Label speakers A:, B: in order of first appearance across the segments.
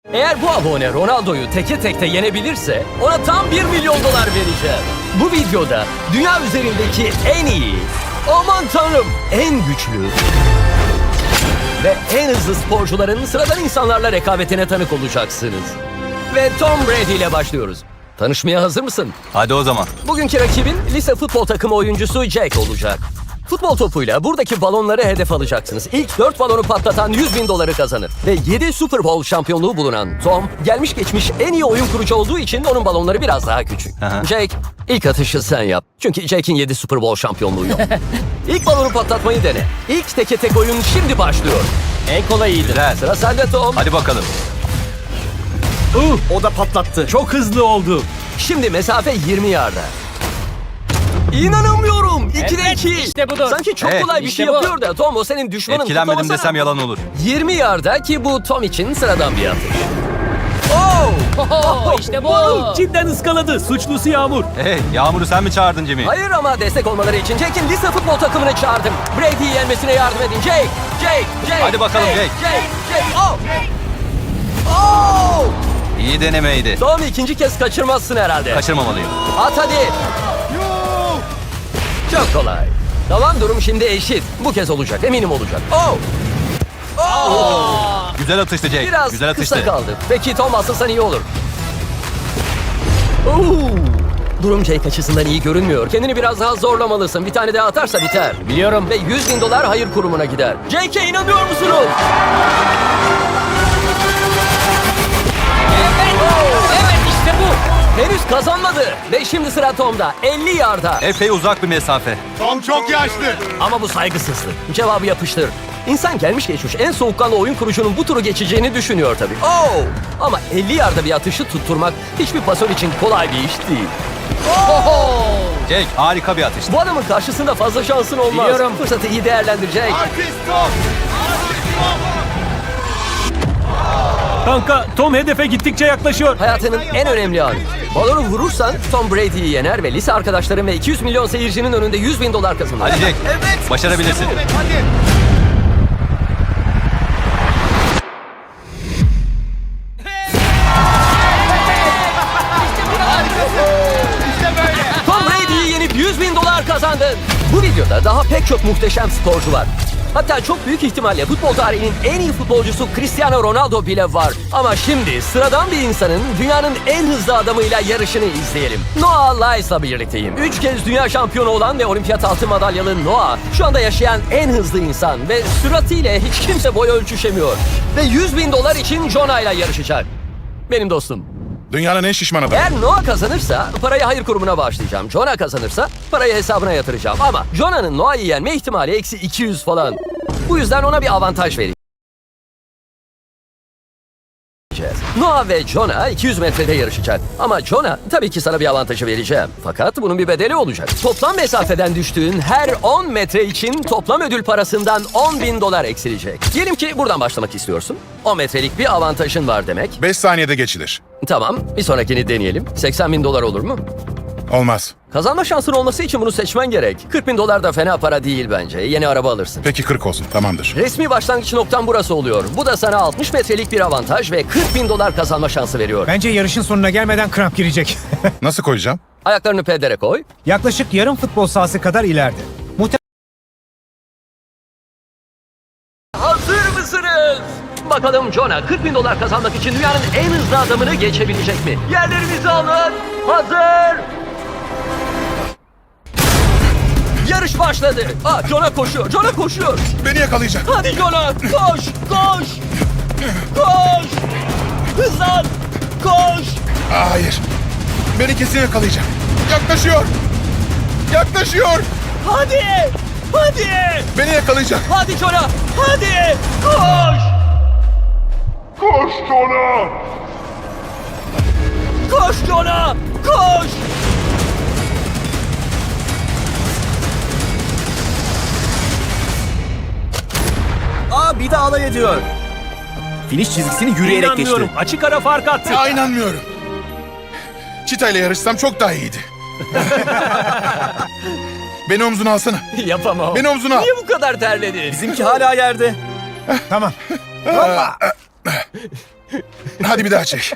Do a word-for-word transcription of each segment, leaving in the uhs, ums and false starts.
A: Eğer bu abone Ronaldo'yu teke tekte yenebilirse ona tam bir milyon dolar vereceğim. Bu videoda dünya üzerindeki en iyi, aman tanrım en güçlü ve en hızlı sporcuların sıradan insanlarla rekabetine tanık olacaksınız. Ve Tom Brady ile başlıyoruz. Tanışmaya hazır mısın?
B: Hadi o zaman.
A: Bugünkü rakibin lise futbol takımı oyuncusu Jake olacak. Futbol topuyla buradaki balonları hedef alacaksınız. İlk dört balonu patlatan yüz bin doları kazanır. Ve yedi Super Bowl şampiyonluğu bulunan Tom, gelmiş geçmiş en iyi oyun kurucu olduğu için onun balonları biraz daha küçük.
B: Aha.
A: Jake, ilk atışı sen yap. Çünkü Jake'in yedi Super Bowl şampiyonluğu yok. İlk balonu patlatmayı dene. İlk teke tek oyun şimdi başlıyor.
C: En kolayıydı.
B: Güzel.
A: Sıra sende Tom.
B: Hadi bakalım.
C: Uh, o da patlattı. Çok hızlı oldu.
A: Şimdi mesafe yirmi yarda. İnanamıyorum. ikide
C: Evet,
A: iki.
C: işte budur.
A: Sanki çok
B: Evet,
A: kolay bir
C: işte
A: şey
C: bu.
A: yapıyor da Tom o senin düşmanın.
B: Etkilenmedim
A: kutlamasana.
B: desem yalan olur.
A: yirmi yarda ki bu Tom için sıradan bir atış. Oh!
C: Oho, işte bu. Cidden ıskaladı. Suçlusu Yağmur.
B: Hey, Yağmur'u sen mi çağırdın Jimmy?
A: Hayır ama destek olmaları için Jake'in lise futbol takımını çağırdım. Brady'yi yenmesine yardım edin. Jake! Jake! Jake!
B: Hadi bakalım Jake.
A: Jake! Jake! Oh! Oh!
B: İyi denemeydi.
A: Tom ikinci kez kaçırmazsın herhalde.
B: Kaçırmamalıyım.
A: At hadi. Çok kolay. Tamam, durum şimdi eşit. Bu kez olacak, eminim olacak. Oh! Oh!
B: Güzel atıştı Jake.
A: Biraz
B: Güzel atıştı.
A: kısa kaldı. Peki Tom asılsan iyi olur. Oo! Durum Jake açısından iyi görünmüyor. Kendini biraz daha zorlamalısın. Bir tane daha atarsa biter.
C: Biliyorum.
A: Ve yüz bin dolar hayır kurumuna gider. Jake'e inanıyor musunuz?
C: Evet, işte bu.
A: Henüz kazanmadı. Ve şimdi sıra Tom'da. elli yarda.
B: Epey uzak bir mesafe.
D: Tom çok yaşlı.
A: Ama bu saygısızlık. Cevabı yapıştır. İnsan gelmiş geçmiş en soğukkanlı oyun kurucunun bu turu geçeceğini düşünüyor tabii. Oh! Ama elli yarda bir atışı tutturmak hiçbir pasör için kolay bir iş değil.
B: Jake harika bir atıştı.
A: Bu adamın karşısında fazla şansın olmaz.
C: Biliyorum.
A: Fırsatı iyi değerlendirecek.
D: Artist Tom.
C: Kanka, Tom hedefe gittikçe yaklaşıyor.
A: Hayatının en önemli anı. Balonu vurursan Tom Brady'yi yener ve lise arkadaşların ve iki yüz milyon seyircinin önünde yüz bin dolar kazanır.
B: Hadi Jake.
D: Evet.
B: Başarabilirsin.
D: Evet, hadi. İşte böyle.
A: Tom Brady'yi yenip yüz bin dolar kazandın. Bu videoda daha pek çok muhteşem sporcu var. Hatta çok büyük ihtimalle futbol tarihinin en iyi futbolcusu Cristiano Ronaldo bile var. Ama şimdi sıradan bir insanın dünyanın en hızlı adamıyla yarışını izleyelim. Noah Lyles'la birlikteyim. Üç kez dünya şampiyonu olan ve olimpiyat altın madalyalı Noah şu anda yaşayan en hızlı insan ve süratiyle hiç kimse boy ölçüşemiyor. Ve yüz bin dolar için Jonah ile yarışacak. Benim dostum.
D: Dünyanın en şişman adamı.
A: Eğer Noah kazanırsa parayı hayır kurumuna bağışlayacağım. Jonah kazanırsa parayı hesabına yatıracağım. Ama Jonah'nın Noah'yı yenme ihtimali eksi iki yüz falan. Bu yüzden ona bir avantaj vereceğiz. Noah ve Jonah iki yüz metrede yarışacak. Ama Jonah tabii ki sana bir avantajı vereceğim. Fakat bunun bir bedeli olacak. Toplam mesafeden düştüğün her on metre için toplam ödül parasından on bin dolar eksilecek. Diyelim ki buradan başlamak istiyorsun. on metrelik bir avantajın var demek.
D: beş saniyede geçilir.
A: Tamam, bir sonrakini deneyelim. seksen bin dolar olur mu?
D: Olmaz.
A: Kazanma şansın olması için bunu seçmen gerek. kırk bin dolar da fena para değil bence. Yeni araba alırsın.
D: Peki kırk olsun, tamamdır.
A: Resmi başlangıç noktan burası oluyor. Bu da sana altmış metrelik bir avantaj ve kırk bin dolar kazanma şansı veriyor.
E: Bence yarışın sonuna gelmeden kramp girecek.
D: Nasıl koyacağım?
A: Ayaklarını pedere koy.
E: Yaklaşık yarım futbol sahası kadar ileride.
A: Hazır mısınız? Bakalım Jonah kırk bin dolar kazanmak için dünyanın en hızlı adamını geçebilecek mi? Yerlerinizi alın. Hazır. Yarış başladı. Aa, Jonah koşuyor. Jonah koşuyor.
D: Beni yakalayacak.
A: Hadi Jonah, koş, koş, koş, hızlan, koş.
D: Aa, hayır. Beni kesin yakalayacak. Yaklaşıyor. Yaklaşıyor.
A: Hadi, hadi,
D: Beni yakalayacak.
A: hadi Jonah, hadi, koş.
D: Koş Jonah.
A: Koş Jonah, koş.
C: Aa, bir de alay ediyor. Finish çizgisini yürüyerek geçti. Açık ara fark attı.
D: Ya inanmıyorum. Çita ile yarışsam çok daha iyiydi. Beni omzuna alsana.
A: Yapamam.
D: Beni omzuna al.
A: Niye bu kadar terledin?
C: Bizimki hala yerde.
E: Tamam.
D: Hadi bir daha çek.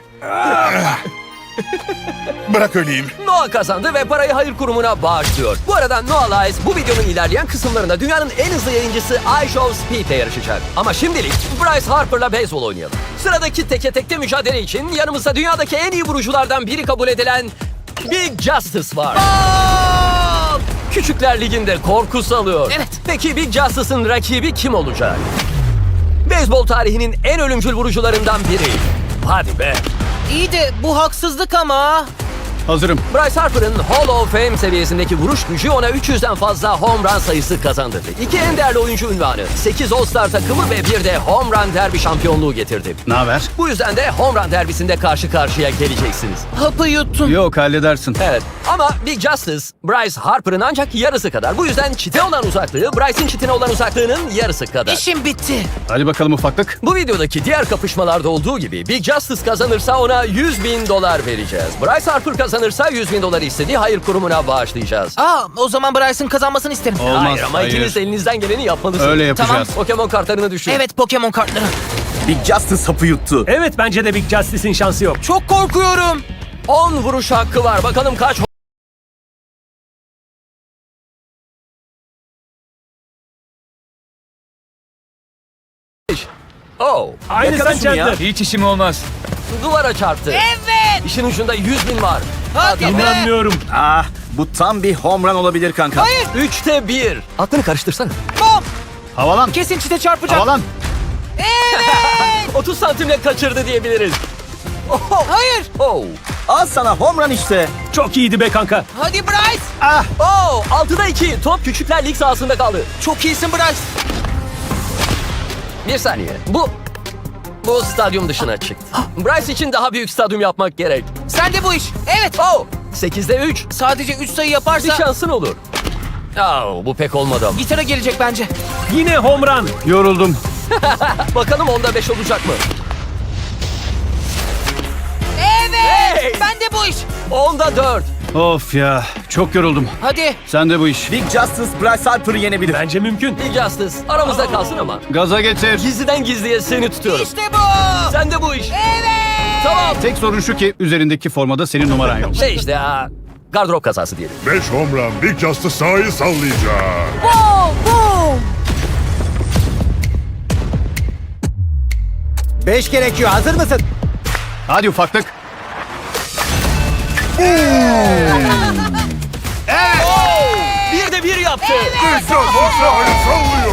D: Bırak öleyim.
A: Noah kazandı ve parayı hayır kurumuna bağışlıyor. Bu arada Noah Lyles bu videonun ilerleyen kısımlarında dünyanın en hızlı yayıncısı iShow Speed'le yarışacak. Ama şimdilik Bryce Harper'la beyzbol oynayalım. Sıradaki teke tekte mücadele için yanımızda dünyadaki en iyi vuruculardan biri kabul edilen Big Justice var. Aa! Küçükler Ligi'nde korku salıyor.
F: Evet.
A: Peki Big Justice'ın rakibi kim olacak? Beyzbol tarihinin en ölümcül vurucularından biri. Hadi be.
F: İyi de bu haksızlık ama.
B: Hazırım.
A: Bryce Harper'ın Hall of Fame seviyesindeki vuruş gücü ona üç yüzden fazla home run sayısı kazandırdı. İki en değerli oyuncu unvanı, sekiz All-Star takımı ve bir de home run derbi şampiyonluğu getirdi.
B: Ne haber?
A: Bu yüzden de home run derbisinde karşı karşıya geleceksiniz.
F: Hapı yuttum.
B: Yok halledersin.
A: Evet ama Big Justice, Bryce Harper'ın ancak yarısı kadar. Bu yüzden çite olan uzaklığı, Bryce'in çitine olan uzaklığının yarısı kadar.
F: İşim bitti.
B: Hadi bakalım ufaklık.
A: Bu videodaki diğer kapışmalarda olduğu gibi Big Justice kazanırsa ona yüz bin dolar vereceğiz. Bryce Harper kazanırsa yüz bin doları istediği hayır kurumuna bağışlayacağız.
F: Aa, o zaman Bryce'ın kazanmasını isterim.
B: Olmaz.
A: hayır ama
B: hayır.
A: ikiniz de elinizden geleni yapmalısınız.
B: Öyle yapacağız.
A: Pokemon kartlarını düşün.
F: Evet, Pokemon kartları.
C: Big Justice hapı yuttu.
G: Evet bence de Big Justice'in şansı yok.
F: Çok korkuyorum.
A: on vuruş hakkı var. Bakalım kaç Oh,
G: Aynı
C: Yakaladım
G: sen
C: ya.
G: Chandler.
B: Hiç işim olmaz.
A: duvara çarptı.
F: Evet.
A: İşin ucunda yüz bin var.
F: Hadi be.
G: İnanmıyorum.
C: Ah, bu tam bir home run olabilir kanka.
F: Hayır.
A: Üçte bir. Aklını karıştırsana.
F: Bom.
B: Havalan.
F: Kesin çite çarpacak.
B: Havalan.
A: otuz santimle kaçırdı diyebiliriz. Oh,
F: Hayır.
A: oh,
C: Al sana home run işte.
G: Çok iyiydi be kanka.
F: Hadi Bryce.
A: oh. altıda iki. Top Küçükler Lig sahasında kaldı.
F: Çok iyisin Bryce.
A: Bir saniye. Bu... Bu stadyum dışına çıktı. Bryce için daha büyük stadyum yapmak gerek.
F: Sen de bu iş. Evet.
A: Oh, sekizde üç.
F: Sadece üç sayı
A: Bir
F: yaparsa
A: şansın olur. Oh, bu pek olmadı ama.
F: gitara gelecek bence.
G: Yine home run.
B: Yoruldum.
A: Bakalım onda beş olacak mı?
F: Evet.
A: Hey!
F: Ben de bu iş.
A: Onda dört.
B: Of ya. Çok yoruldum.
F: Hadi.
B: Sen de bu iş.
C: Big Justice Bryce Harper'ı yenebilir.
G: Bence mümkün.
A: Big Justice aramızda kalsın ama.
B: Gaza getir.
A: Gizliden gizliye seni tutuyorum.
F: İşte bu.
A: Sen de bu iş.
F: Evet.
A: Tamam.
B: Tek sorun şu ki üzerindeki formada senin numaran yok.
A: Şey işte ha, gardırop kazası diyelim.
D: beş home run. Big Justice sahayı sallayacak.
F: Boom. Boom.
E: Beş gerekiyor. Hazır mısın?
B: Hadi ufaklık.
A: Bir de bir yaptı.
D: Big Justice sahayı sallıyor.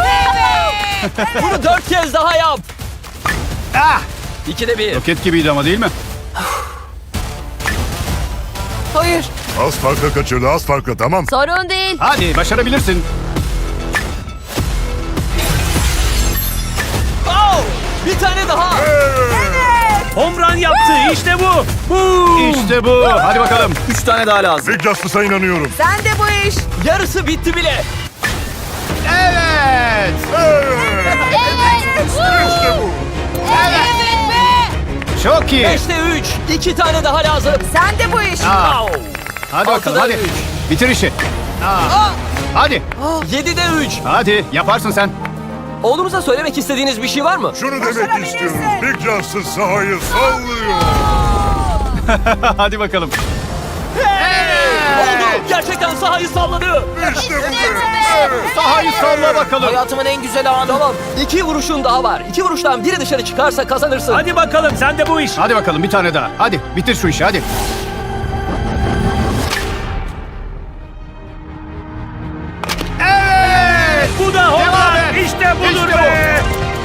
A: Bunu dört kez daha yap.
B: Ah!
A: İkide bir.
B: Roket gibiydi ama değil mi?
F: Hayır.
D: Az farkla kaçırdı, az farkla, tamam.
H: Sorun değil.
B: Hadi başarabilirsin.
A: Oh, bir tane daha.
G: Home run yaptı. İşte bu. Bu.
B: İşte bu. Hadi bakalım.
C: Üç tane daha lazım.
D: Big Justice'a inanıyorum.
F: Sen de bu iş.
A: Yarısı bitti bile.
B: Evet.
D: İşte bu.
F: Evet be.
B: Çok iyi.
A: Beşte üç. İki tane daha lazım.
F: Sen de bu iş.
B: Aa,
A: Oh.
B: hadi bakalım
A: Altıda
B: hadi.
A: üç.
B: Bitir işi. Aa. Hadi.
A: Yedide üç.
B: Hadi yaparsın sen.
A: Oğlunuza söylemek istediğiniz bir şey var mı?
D: Şunu demek istiyorum. Big Justice sahayı sallıyor.
B: Hadi bakalım.
A: Oldu. Gerçekten sahayı salladı.
D: İşte bu be.
B: Sahayı salla bakalım.
F: Hayatımın en güzel anı.
A: Tamam. İki vuruşun daha var. İki vuruştan biri dışarı çıkarsa kazanırsın.
G: Hadi bakalım sen de bu iş.
B: Hadi bakalım bir tane daha. Hadi bitir şu işi hadi. Evet.
G: Bu da home
B: Devam
G: run.
B: et.
G: İşte budur
B: İşte bu.
G: be.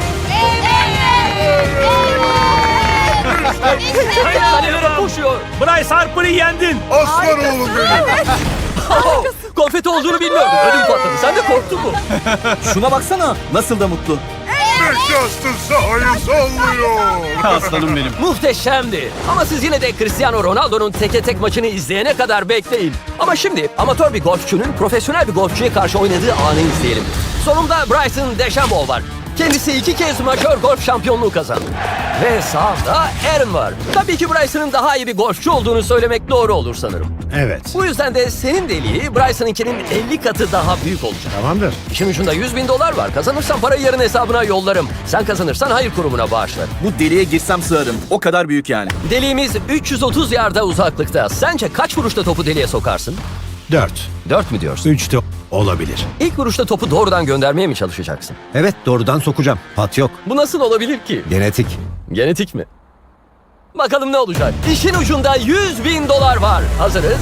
A: Kalelere koşuyor.
G: Bryce Harper'ı yendin.
D: Aslan oğlum benim.
A: Oh, konfeti olduğunu bilmiyordum. Ödüm patladı. Sen de korktun mu?
C: Şuna baksana. Nasıl da mutlu.
D: Big Justice sahayı sallıyor.
B: Aslanım benim.
A: Muhteşemdi. Ama siz yine de Cristiano Ronaldo'nun teke tek maçını izleyene kadar bekleyin. Ama şimdi amatör bir golfçünün profesyonel bir golfçüye karşı oynadığı anı izleyelim. Sonunda Bryson DeChambeau var. Kendisi iki kez majör golf şampiyonluğu kazandı. Ve sağında Aaron var. Tabii ki Bryson'ın daha iyi bir golfçü olduğunu söylemek doğru olur sanırım.
E: Evet.
A: Bu yüzden de senin deliği Bryson'ınkinin elli katı daha büyük olacak.
E: Tamamdır.
A: İşin ucunda yüz bin dolar var. Kazanırsan parayı yarın hesabına yollarım. Sen kazanırsan hayır kurumuna bağışlarım.
C: Bu deliğe girsem sığarım. O kadar büyük yani.
A: Deliğimiz üç yüz otuz yarda uzaklıkta. Sence kaç vuruşta topu deliğe sokarsın?
E: Dört.
A: Dört mü diyorsun?
E: Üç de olabilir.
A: İlk vuruşta topu doğrudan göndermeye mi çalışacaksın?
H: Evet, doğrudan sokacağım. Pat yok.
A: Bu nasıl olabilir ki?
H: Genetik.
A: Genetik mi? Bakalım ne olacak? İşin ucunda yüz bin dolar var. Hazırız.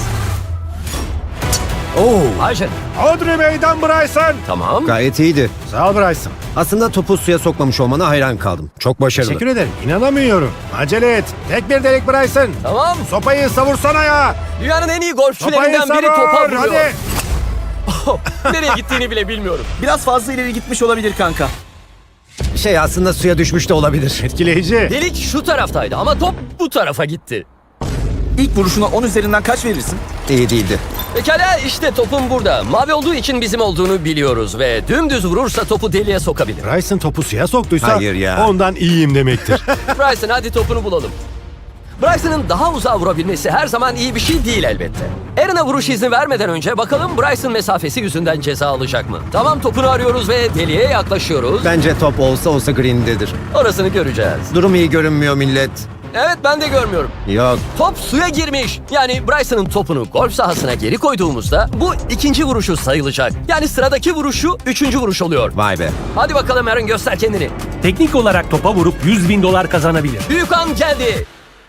H: Oo,
A: Ayşe.
E: Audrey meydan Bryson.
A: Tamam.
H: gayet iyiydi.
E: Sağ ol Bryson.
H: Aslında topu suya sokmamış olmana hayran kaldım. Çok başarılı.
E: Teşekkür ederim. İnanamıyorum. Acele et. Tek bir delik Bryson.
A: Tamam.
E: Sopayı savursana ya.
A: Dünyanın en iyi
E: Sopayı
A: golfçülerinden biri
E: savur.
A: topa vuruyor.
E: Hadi.
A: Nereye gittiğini bile bilmiyorum.
C: Biraz fazla ileri gitmiş olabilir kanka.
H: Şey, aslında suya düşmüş de olabilir.
E: Etkileyici.
A: Delik şu taraftaydı ama top bu tarafa gitti.
C: İlk vuruşuna on üzerinden kaç verirsin?
H: İyi değildi.
A: Pekala işte topum burada. Mavi olduğu için bizim olduğunu biliyoruz ve dümdüz vurursa topu deliğe sokabilir.
E: Bryson topu suya soktuysa
H: Hayır ya.
E: ondan iyiyim demektir.
A: Bryson hadi topunu bulalım. Bryson'ın daha uzağa vurabilmesi her zaman iyi bir şey değil elbette. Aaron'a vuruş izni vermeden önce bakalım Bryson mesafesi yüzünden ceza alacak mı? Tamam topunu arıyoruz ve deliğe yaklaşıyoruz.
H: Bence top olsa olsa green'dedir.
A: Orasını göreceğiz.
H: Durum iyi görünmüyor millet.
A: Evet ben de görmüyorum.
H: Yok.
A: Top suya girmiş. Yani Bryson'ın topunu golf sahasına geri koyduğumuzda bu ikinci vuruşu sayılacak. Yani sıradaki vuruşu üçüncü vuruş oluyor.
H: Vay be.
A: Hadi bakalım Aaron göster kendini.
G: Teknik olarak topa vurup yüz bin dolar kazanabilir.
A: Büyük an geldi.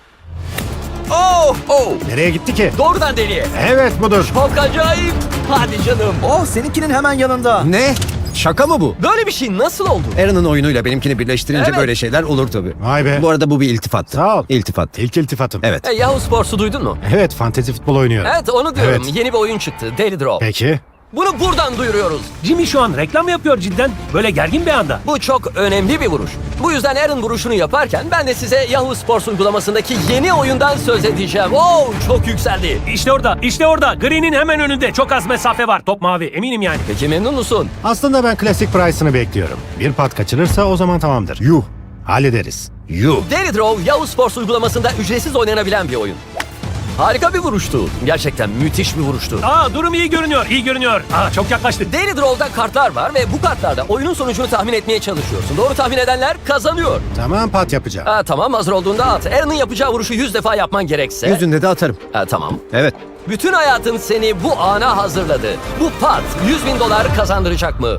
A: Oh oh.
E: Nereye gitti ki?
A: Doğrudan deliğe.
E: Evet budur.
A: Çok acayip. Hadi canım.
C: Oh, seninkinin hemen yanında.
H: Ne? Şaka mı bu?
A: Böyle bir şey nasıl oldu?
H: Aaron'ın oyunuyla benimkini birleştirince
A: Evet.
H: böyle şeyler olur tabii.
E: Vay be.
H: Bu arada bu bir iltifat.
E: Sağ ol.
H: İltifat.
E: İlk iltifatım.
H: Evet.
A: E, Yahoo Sports'u duydun mu?
E: Evet, fantezi futbol oynuyorum.
A: Evet onu diyorum.
E: Evet.
A: Yeni bir oyun çıktı. Daily Draw.
E: Peki.
A: Bunu buradan duyuruyoruz.
G: Jimmy şu an reklam yapıyor cidden. Böyle gergin bir anda.
A: Bu çok önemli bir vuruş. Bu yüzden Aaron vuruşunu yaparken ben de size Yahoo Sports uygulamasındaki yeni oyundan söz edeceğim. Oo çok yükseldi.
G: İşte orada, işte orada. Green'in hemen önünde. Çok az mesafe var. Top mavi, eminim yani.
A: Peki memnun musun?
E: Aslında ben klasik Bryson'ı bekliyorum. Bir pat kaçırırsa o zaman tamamdır. Yuh. Hallederiz.
H: Yuh.
A: Daily Draw Yahoo Sports uygulamasında ücretsiz oynanabilen bir oyun. Harika bir vuruştu. Gerçekten müthiş bir vuruştu.
G: Aa durum iyi görünüyor, iyi görünüyor. Aa çok yaklaştık.
A: Daily Draw'da kartlar var ve bu kartlarda oyunun sonucunu tahmin etmeye çalışıyorsun. Doğru tahmin edenler kazanıyor.
E: Tamam, pat yapacağım.
A: Ha, tamam hazır olduğunda at. Aaron'ın yapacağı vuruşu yüz defa yapman gerekse.
H: Yüzünde de atarım.
A: Ha, tamam.
H: Evet.
A: Bütün hayatın seni bu ana hazırladı. Bu pat yüz bin dolar kazandıracak mı?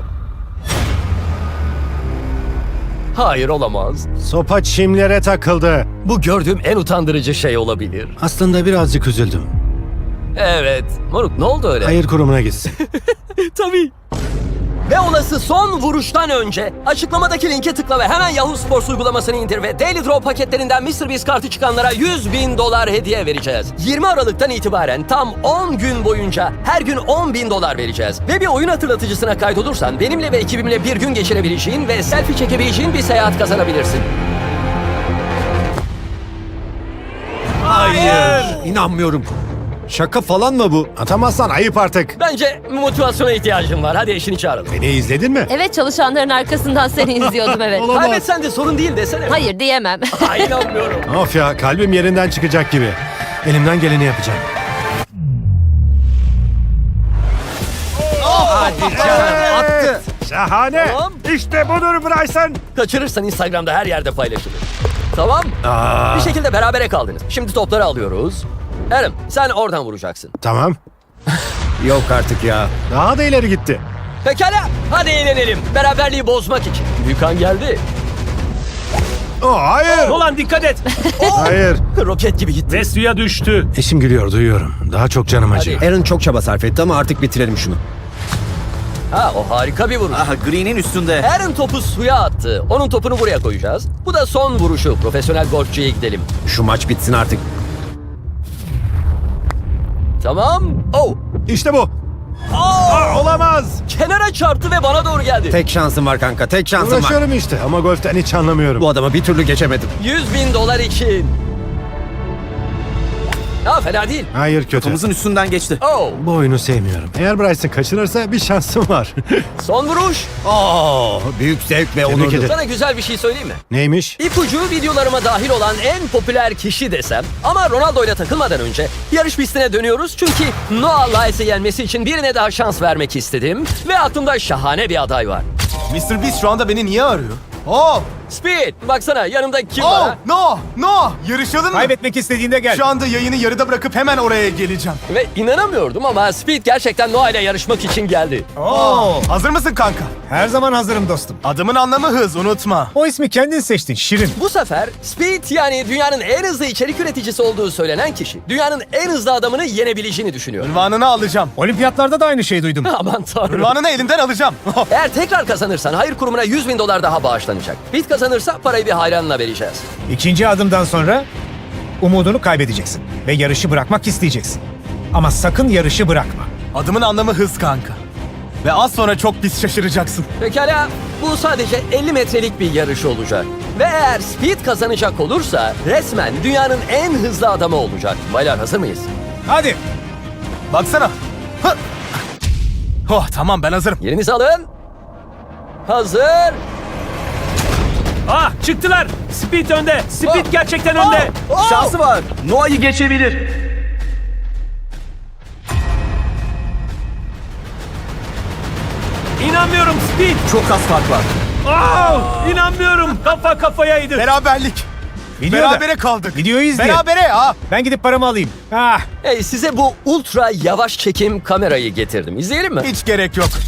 A: Hayır olamaz.
E: Sopa çimlere takıldı.
A: Bu gördüğüm en utandırıcı şey olabilir.
E: Aslında birazcık üzüldüm.
A: Evet. Moruk ne oldu öyle?
E: Hayır kurumuna gitsin.
A: Tabii. Ve olası son vuruştan önce açıklamadaki linke tıkla ve hemen Yahoo Sports uygulamasını indir ve Daily Draw paketlerinden mister Beast kartı çıkanlara yüz bin dolar hediye vereceğiz. yirmi Aralık'tan itibaren tam on gün boyunca her gün on bin dolar vereceğiz. Ve bir oyun hatırlatıcısına kaydolursan benimle ve ekibimle bir gün geçirebileceğin ve selfie çekebileceğin bir seyahat kazanabilirsin.
H: Hayır. İnanmıyorum. Şaka falan mı bu?
E: Atamazsan ayıp artık.
A: Bence motivasyona ihtiyacım var. Hadi eşini çağıralım.
E: Beni izledin mi?
I: Evet, çalışanların arkasından seni izliyordum, evet.
A: Kaybetsen de sorun değil desene.
I: Hayır, diyemem.
A: Ay, inanmıyorum.
E: Of ya, kalbim yerinden çıkacak gibi. Elimden geleni yapacağım.
H: Attı.
E: Şahane.
A: Tamam.
E: İşte budur Bryson.
A: Kaçırırsan Instagram'da her yerde paylaşılır. Tamam. Bir şekilde berabere kaldınız. Şimdi topları alıyoruz. Aaron sen oradan vuracaksın.
E: Tamam.
H: Yok artık ya.
E: Daha da ileri gitti.
A: Pekala hadi eğlenelim. Beraberliği bozmak için. Büyükan geldi.
E: Oh, hayır.
G: Nolan dikkat et.
E: Hayır.
A: Roket gibi gitti.
G: Ve suya düştü.
E: Eşim gülüyor, duyuyorum. Daha çok canım acıyor.
H: Aaron çok çaba sarf etti ama artık bitirelim şunu.
A: Ha o harika bir vuruş.
C: Aha, green'in üstünde.
A: Aaron topu suya attı. Onun topunu buraya koyacağız. Bu da son vuruşu. Profesyonel golfçüye gidelim.
H: Şu maç bitsin artık.
A: Tamam. Oh.
E: İşte bu. Aa, olamaz.
A: Kenara çarptı ve bana doğru geldi.
H: Tek şansım var kanka, tek şansım var.
E: Uğraşıyorum işte ama golften hiç anlamıyorum.
H: Bu adama bir türlü geçemedim.
A: yüz bin dolar için. Ha, fena değil.
E: Hayır kötü.
C: Kafamızın üstünden geçti.
A: Oh,
E: Bu oyunu sevmiyorum. Eğer Bryson kaçırırsa bir şansım var.
A: son vuruş.
H: Oo, büyük zevk ve
E: Tebrik
H: onur.
E: ederim.
A: Sana güzel bir şey söyleyeyim mi?
E: Neymiş?
A: İpucu videolarıma dahil olan en popüler kişi desem. Ama Ronaldo ile takılmadan önce yarış pistine dönüyoruz. Çünkü Noah Lyles'ı yenmesi için birine daha şans vermek istedim. Ve aklımda şahane bir aday var.
C: mister Beast şu anda beni niye arıyor? Oh!
A: Speed, baksana yanımda kim var? ha?
C: No! No! Yarışalım mı?
H: Kaybetmek istediğinde gel.
C: Şu anda yayını yarıda bırakıp hemen oraya geleceğim.
A: Ve inanamıyordum ama Speed gerçekten Noah ile yarışmak için geldi.
C: Oo! Hazır mısın kanka?
H: Her zaman hazırım dostum.
C: Adımın anlamı hız, unutma.
H: O ismi kendin seçtin Şirin.
A: Bu sefer Speed, yani dünyanın en hızlı içerik üreticisi olduğu söylenen kişi, dünyanın en hızlı adamını yenebileceğini düşünüyor.
C: Ünvanını alacağım.
H: Olimpiyatlarda da aynı şeyi duydum.
A: Aman tanrım.
C: Ünvanını elinden alacağım.
A: Eğer tekrar kazanırsan hayır kurumuna yüz bin dolar daha bağışlanacak. Speed kazanırsa parayı bir hayranına vereceğiz.
J: İkinci adımdan sonra umudunu kaybedeceksin ve yarışı bırakmak isteyeceksin. Ama sakın yarışı bırakma.
C: Adımın anlamı hız kanka. Ve az sonra çok pis şaşıracaksın.
A: Pekala, bu sadece elli metrelik bir yarış olacak. Ve eğer Speed kazanacak olursa resmen dünyanın en hızlı adamı olacak. Baylar, hazır mıyız?
J: Hadi.
C: Baksana. Hı! Oh tamam, ben hazırım.
A: Yerinizi alın. Hazır.
G: Ah, çıktılar. Speed önde. Speed
A: Oh.
G: gerçekten önde.
A: Oh. Oh.
C: Şansı var. Noah'yı geçebilir.
G: İnanmıyorum Speed.
C: Çok az fark var.
G: Ah, inanmıyorum. Kafa kafayaydı.
C: Beraberlik.
J: Videoda.
C: Berabere kaldık.
J: Videoyu izle.
C: Berabere ha.
J: Ben gidip paramı alayım. Ah.
A: Hey, size bu ultra yavaş çekim kamerayı getirdim. İzleyelim mi?
C: Hiç gerek yok.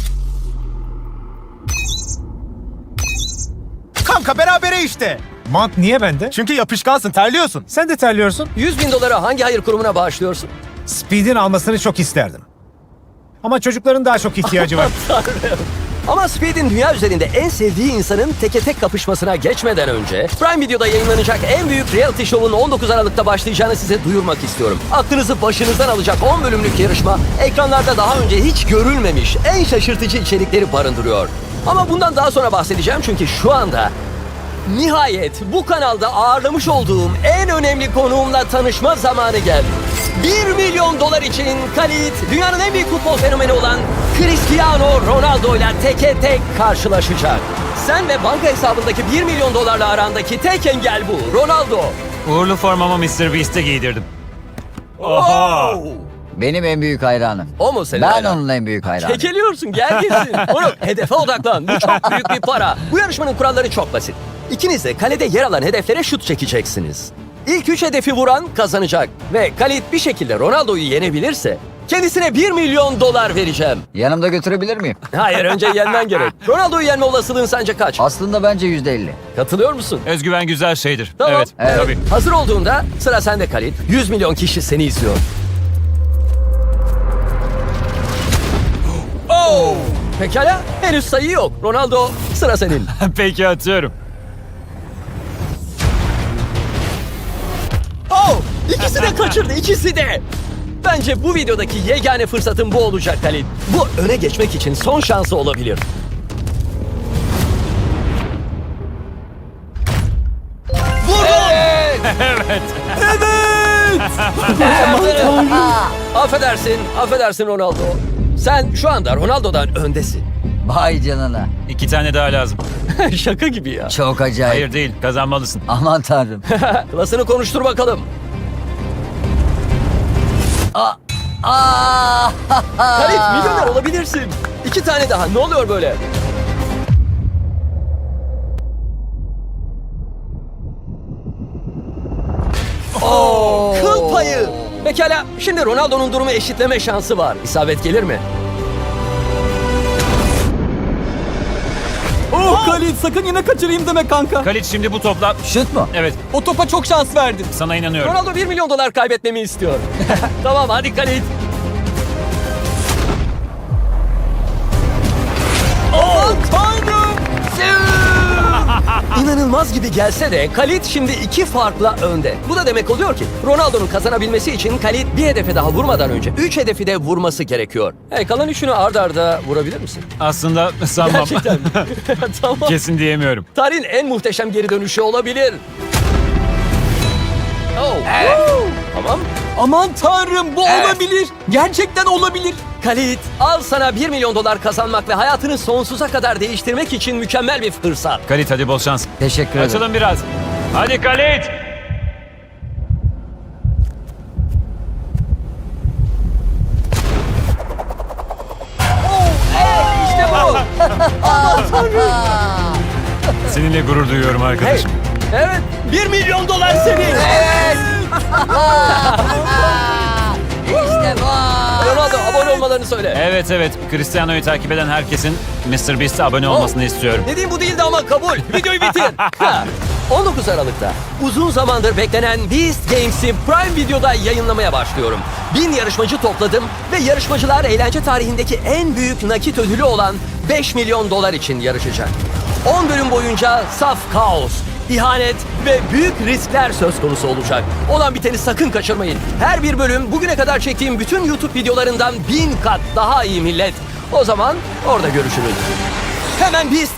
C: Kanka berabere işte.
J: Mont niye bende?
C: Çünkü yapışkansın, terliyorsun.
J: Sen de terliyorsun.
A: yüz bin dolara hangi hayır kurumuna bağışlıyorsun?
J: Speed'in almasını çok isterdim. Ama çocukların daha çok ihtiyacı var.
A: Ama Speed'in dünya üzerinde en sevdiği insanın teke tek kapışmasına geçmeden önce Prime Video'da yayınlanacak en büyük reality show'un on dokuz Aralık'ta başlayacağını size duyurmak istiyorum. Aklınızı başınızdan alacak on bölümlük yarışma ekranlarda daha önce hiç görülmemiş en şaşırtıcı içerikleri barındırıyor. Ama bundan daha sonra bahsedeceğim çünkü şu anda nihayet bu kanalda ağırlamış olduğum en önemli konuğumla tanışma zamanı geldi. bir milyon dolar için Khalid, dünyanın en büyük futbol fenomeni olan Cristiano Ronaldo ile teke tek karşılaşacak. Sen ve banka hesabındaki bir milyon dolarla arandaki tek engel bu. Ronaldo.
G: Uğurlu formamı mister Beast'e giydirdim.
A: Oho!
F: Benim en büyük hayranım.
A: O mu senin
F: Ben
A: hayran?
F: onun en büyük hayranım.
A: Kekeliyorsun, gel gitsin. Oğlum, hedefe odaklan. Bu çok büyük bir para. Bu yarışmanın kuralları çok basit. İkiniz de kalede yer alan hedeflere şut çekeceksiniz. İlk üç hedefi vuran kazanacak. Ve Khalid bir şekilde Ronaldo'yu yenebilirse kendisine bir milyon dolar vereceğim.
F: Yanımda götürebilir miyim?
A: Hayır, önce yenmen gerek. Ronaldo'yu yenme olasılığın sence kaç?
F: Aslında bence yüzde elli.
A: Katılıyor musun?
G: Özgüven güzel şeydir.
A: Tamam.
G: Evet,
F: Evet.
G: tabii.
A: Hazır olduğunda sıra sende Khalid. yüz milyon kişi seni izliyor. Oh! Pekala, henüz sayı yok. Ronaldo, sıra senin.
G: Peki, atıyorum.
A: Oh! İkisi de kaçırdı, ikisi de. Bence bu videodaki yegane fırsatın bu olacak Khalid. Bu öne geçmek için son şansı olabilir. Vurdun! Evet! Evet! Affedersin, affedersin Ronaldo. Sen şu anda Ronaldo'dan öndesin.
F: Vay canına.
G: İki tane daha lazım.
A: Şaka gibi ya.
F: Çok acayip.
G: Hayır değil, kazanmalısın.
F: Aman tanrım.
A: Klasını konuştur bakalım.
F: Aa!
A: Khalid, milyoner olabilirsin. İki tane daha, ne oluyor böyle? Oo, kıl payı. Pekala, şimdi Ronaldo'nun durumu eşitleme şansı var. İsabet gelir mi?
C: Oh Khalid, sakın yine kaçırayım deme kanka.
G: Khalid, şimdi bu topla...
F: Şut mu?
G: Evet,
C: O topa çok şans verdin.
G: sana inanıyorum.
A: Ronaldo bir milyon dolar kaybetmemi istiyor. Tamam, hadi Khalid. Oh, tanrım! İnanılmaz gibi gelse de Khalid şimdi iki farkla önde. Bu da demek oluyor ki Ronaldo'nun kazanabilmesi için Khalid bir hedefe daha vurmadan önce üç hedefi de vurması gerekiyor. Hey, kalan üçünü ard arda vurabilir misin?
G: Aslında sanmam.
A: Gerçekten mi? Tamam.
G: Kesin diyemiyorum.
A: Tarihin en muhteşem geri dönüşü olabilir. Oh. Woo! Tamam.
C: Aman tanrım bu
F: Evet.
C: olabilir. Gerçekten olabilir.
A: Kalit, al sana bir milyon dolar kazanmak ve hayatını sonsuza kadar değiştirmek için mükemmel bir fırsat.
K: Kalit hadi bol şans.
F: Teşekkür ederim.
K: Açılın biraz. Hadi Kalit.
A: İşte bu.
K: Seninle gurur duyuyorum
A: Hey,
K: arkadaşım.
A: evet, bir milyon dolar senin.
F: İşte bu.
A: Ronaldo, abone olmalarını söyle.
K: Evet evet. Cristiano'yu takip eden herkesin mister Beast'e abone olmasını istiyorum.
A: Dediğim bu değildi ama kabul. Videoyu bitir. Ha. on dokuz Aralık'ta uzun zamandır beklenen Beast Games'i Prime Video'da yayınlamaya başlıyorum. Bin yarışmacı topladım ve yarışmacılar eğlence tarihindeki en büyük nakit ödülü olan beş milyon dolar için yarışacak. on bölüm boyunca saf kaos, ihanet ve büyük riskler söz konusu olacak. Olan biteni sakın kaçırmayın. Her bir bölüm bugüne kadar çektiğim bütün YouTube videolarından bin kat daha iyi millet. O zaman orada görüşürüz. Hemen Beast